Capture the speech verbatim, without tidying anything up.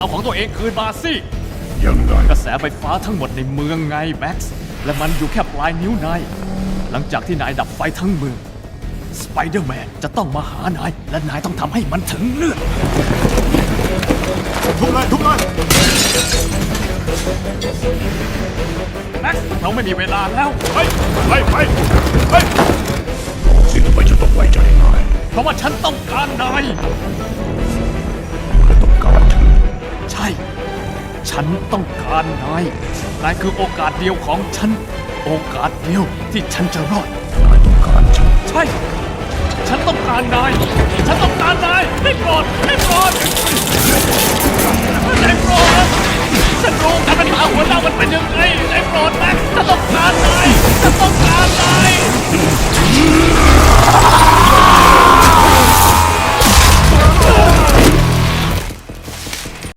เอาของตัวเองคืนมาสิยังไงกระแสไฟฟ้าทั้งหมดในเมืองไงแม็กซ์และมันอยู่แค่ปลายนิ้วนายหลังจากที่นายดับไฟทั้งเมืองสไปเดอร์แมนจะต้องมาหานายและนายต้องทำให้มันถึงเลือดทุบเลยทุบเลยแม็กซ์เราไม่มีเวลาแล้วไปไปไปไปสิทำไมจะต้องไว้ใจนายเพราะว่าฉันต้องการนายก็ต้องการฉันใช่ ฉันต้องการนาย นายคือโอกาสเดียวของฉัน โอกาสเดียวที่ฉันจะรอดนายต้องการฉันใช่ ฉันต้องการนาย ฉันต้องการนายไม่โกรธไม่โกรธ